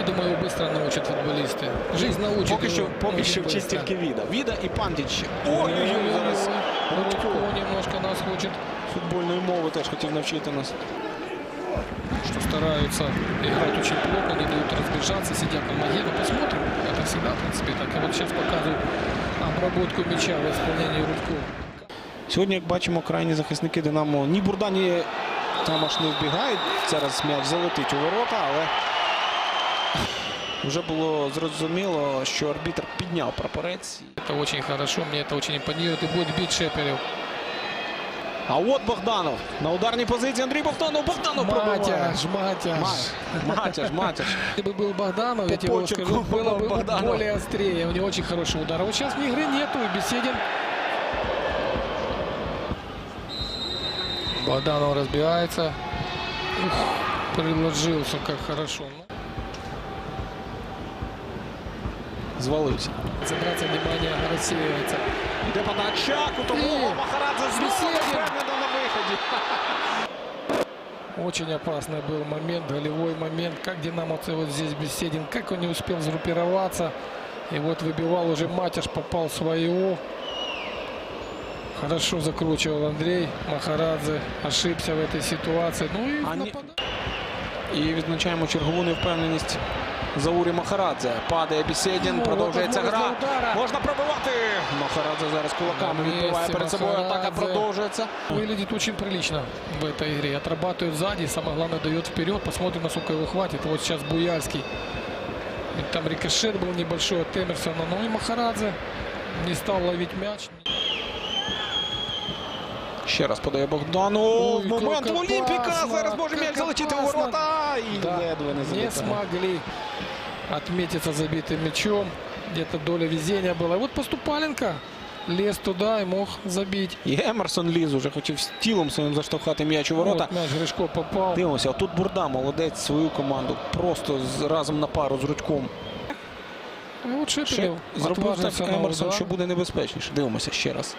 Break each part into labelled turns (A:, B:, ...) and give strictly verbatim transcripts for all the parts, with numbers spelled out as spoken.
A: думаю, его быстро научат футболисты. Жизнь научит.
B: Поки що,
A: его
B: поки
A: очень
B: що
A: быстро.
B: вчить тільки Віда. Віда і Пандіч. Ой-ой-ой, зараз
A: Рудько немножко нас хочет.
B: футбольної мови теж хотів навчити нас.
A: Что стараются играть очень плотно, не дают разбежаться, сидят на ноге. Ну, посмотрим. Это всегда, в принципе, так. И вот сейчас показывают обработку мяча в исполнении Рудько.
B: Сьогодні, як бачимо, крайні захисники Динамо ні Бурда, ні Тамаш не вбігають. Зараз м'яч залетить у ворота, але вже було зрозуміло, що арбітр підняв прапорець.
A: Это очень хорошо, мне это очень импонирует. И будет бить Шепелев.
B: А от Богданов. На ударній позиції Андрій Богданов. Богданов пробиває.
A: Матяш, Матяш.
B: Матяш, Матяш.
A: Если бы был Богданов, я тебе его
B: почерку
A: скажу, было бы
B: Богданов.
A: более острее. У него очень хороший удар. А вот сейчас игры нету, и Беседин. Богданов разбивается. Ух, приложился, как хорошо.
B: Звалився.
A: Концентрация внимания рассеивается.
B: Йде подача, кутового, Махарадзе знову
A: Беседин.
B: впевнено на виході.
A: Очень опасный был момент, голевой момент. Как динамовцы вот здесь Беседин, как он не успел сгруппироваться. И вот выбивал уже Матяш, попал своего. Хорошо закручивал Андрей. Махарадзе ошибся в этой ситуации. Ну и
B: Они-
A: нападал.
B: І відзначаємо чергову невпевненість Заурі Махарадзе. Падає Беседін,
A: Ну,
B: продовжується
A: от
B: гра.
A: можна удара.
B: Можна пробивати. Махарадзе зараз кулаками
A: На
B: відбиває
A: місці
B: перед собою. Атака
A: Махарадзе.
B: продовжується.
A: Выглядит очень прилично в этой игре. Отрабатывает сзади, самое главное дает вперед. Посмотрим, насколько его хватит. Вот сейчас Буяльский. И там рикошет был небольшой от Эмерсона. Ну и Махарадзе не стал ловить мяч.
B: Ще раз подає Богдану.
A: Ой,
B: Момент
A: как
B: в Олімпіка.
A: опасно,
B: Зараз може
A: как
B: м'яч залетіти у
A: опасно.
B: ворота. І
A: Да,
B: ледве не
A: не
B: залетає.
A: смогли отметиться забитым мячом. Где-то доля везения была. И вот Поступаленко лез туда и мог забить.
B: І Емерсон ліз уже хотів з тілом своїм заштовхати м'яч у ворота.
A: Вот мяч Гришко попал.
B: Дивимося, тут Бурда молодець свою команду. Просто з, разом на пару з Рудьком.
A: И вот
B: Ще
A: Шепелев
B: зробив
A: отважился
B: так
A: на
B: Емерсон,
A: удар.
B: що буде небезпечніше. Дивимося ще раз.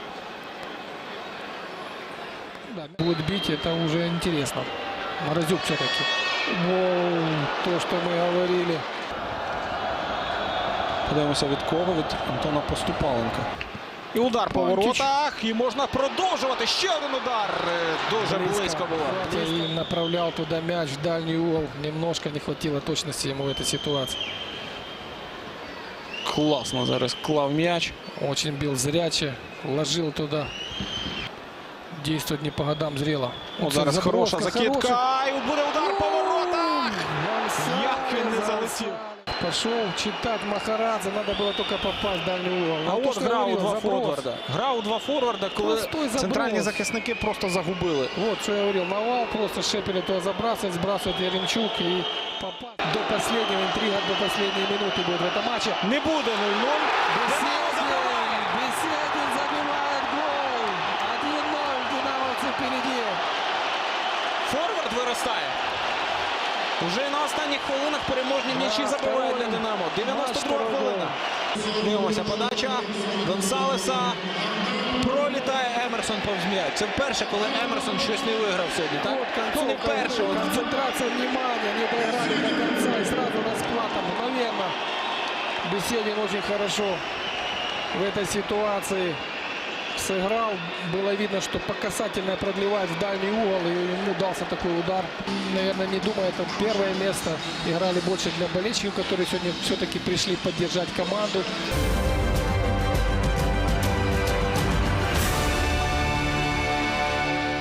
A: Да, будет бить, это уже интересно. Морозюк все-таки. Воу, то, что мы говорили.
B: Подивимося від кого? Від Антона Поступаленка. І удар по
A: Панчич.
B: воротах. І можна продовжувати. Ще один удар. Е, Дуже близько було.
A: И направлял туда мяч в дальний угол. Немножко не хватило точности ему в этой ситуации.
B: Класно зараз клав м'яч.
A: Очень бил зряче, ложил туда. Действует не по годам зрело.
B: От зараз
A: заброска
B: хороша закидка.
A: хорошая.
B: І буде удар по воротах.
A: Гонсалес,
B: Як він не залетів.
A: Гонсалес. Пошел читать Махарадзе. Надо было только попасть в дальний угол.
B: А
A: Ну, то,
B: от
A: что
B: гра у
A: говорил,
B: два
A: заброс.
B: форварда. Гра у два форварда, коли
A: Простой заброс.
B: центральні захисники просто загубили.
A: Вот, что я говорил. Навал просто Шепелев туда забрасывает, сбрасывает Яремчук и попал. До последнего, интрига до последней минуты будет в этом матче.
B: Не буде нуль-нуль.
A: Беседин, Беседин забивает гол. один ноль, динамовцы впереди.
B: Форвард виростає. Уже на останніх хвилинах переможні м'ячі
A: Да,
B: забивають для
A: второй.
B: Динамо. дев'яносто друга
A: Наш
B: хвилина. Дивимося подача Гонсалеса. Пролітає Емерсон повз м'яч. Це вперше, коли Емерсон щось не виграв сьогодні, так?
A: Вот
B: Ну не
A: концовка,
B: вперше. от
A: концентрация внимания, не доиграли до конца и сразу расплата мгновенно. Беседин очень хорошо в этой ситуации сыграл. Было видно, что по касательной продлевает в дальний угол, и ему дался такой удар. Наверное, не думая, это первое место. Играли больше для болельщиков, которые сегодня все-таки пришли поддержать команду.